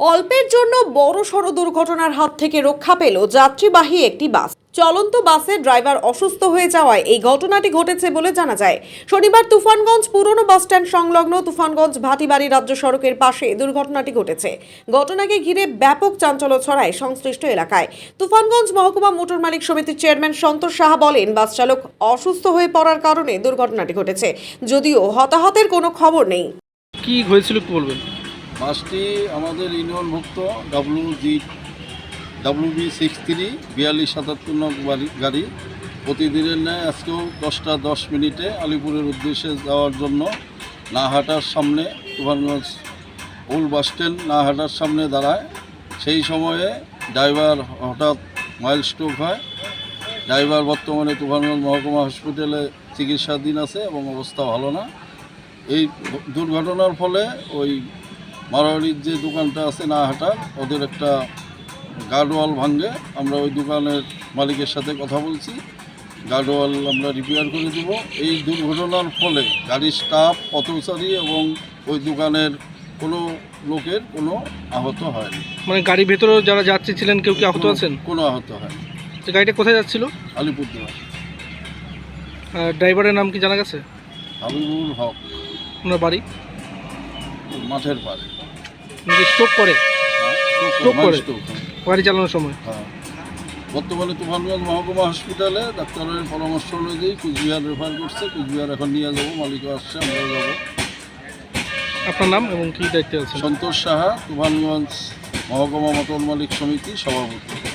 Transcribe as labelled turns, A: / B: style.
A: অল্পের জন্য বড়সড় দুর্ঘটনার হাত থেকে রক্ষা পেল যাত্রীবাহী একটি বাস। চলন্ত বাসের ড্রাইভার অসুস্থ হয়ে যাওয়ায় এই ঘটনাটি ঘটেছে বলে জানা যায়। শনিবার তুফানগঞ্জ পুরনো বাসস্ট্যান্ড সংলগ্ন তুফানগঞ্জ ভাটিবাড়ি রাজ্য সড়কের পাশে দুর্ঘটনাটি ঘটেছে। ঘটনাকে ঘিরে ব্যাপক চাঞ্চল্য ছড়ায় সংশ্লিষ্ট এলাকায়। তুফানগঞ্জ মহকুমা মোটর মালিক সমিতির চেয়ারম্যান সন্তোষ সাহা বলেন, বাস চালক অসুস্থ হয়ে পড়ার কারণে দুর্ঘটনাটি ঘটেছে, যদিও হতাহতের কোনো খবর নেই।
B: কি হয়েছিল একটু বলবেন?
C: বাসটি আমাদের ইউনিয়নভুক্ত WB 63 4277 নং গাড়ি প্রতিদিনের ন্যায় আজকেও 10টা 10 মিনিটে আলিপুরের উদ্দেশ্যে যাওয়ার জন্য নাহাটার সামনে তুফানগঞ্জ ওল্ড বাস স্ট্যান্ড নাহাটার সামনে দাঁড়ায়। সেই সময়ে ড্রাইভার হঠাৎ মাইল্ড স্ট্রোক হয়। ড্রাইভার বর্তমানে তুফানগঞ্জ মহকুমা হসপিটালে চিকিৎসাধীন আছে এবং অবস্থা ভালো না। এই দুর্ঘটনার ফলে ওই মারোয়ারির যে দোকানটা আছে নাহাটার, ওদের একটা গার্ডওয়াল ভাঙে। আমরা ওই দোকানের মালিকের সাথে কথা বলছি, গার্ডওয়াল আমরা রিপেয়ার করে দেব। এই দুর্ঘটনার ফলে গাড়ির স্টাফ, পথচারী এবং ওই দোকানের কোনো লোকের কোনো আহত হয়নি।
B: মানে গাড়ির ভেতরে যারা যাত্রী ছিলেন কেউ কি আহত আছেন?
C: কোনো আহত হয়নি।
B: তো গাড়িটা কোথায় যাচ্ছিল?
C: আলিপুরদুয়ার।
B: ড্রাইভারের নাম কি জানা গেছে?
C: হাবিবুল হক,
B: ওনার বাড়ি?
C: মাঠের পাড়ে।
B: স্ট্রোক করে? স্ট্রোক করে
C: স্ট্রোক।
B: গাড়ি চালানোর সময়?
C: হ্যাঁ। বর্তমানে তুফানগঞ্জ মহকুমা হসপিটালে ডাক্তারের পরামর্শ অনুযায়ী কুচবিহার রেফার করছে। কুচবিহার এখন নিয়ে যাবো, মালিকও আসছে, আমরাও যাবো।
B: আপনার নাম এবং কি দায়িত্বে আছেন?
C: সন্তোষ সাহা, তুফানগঞ্জ মহকুমা মোটর মালিক সমিতি সভাপতি।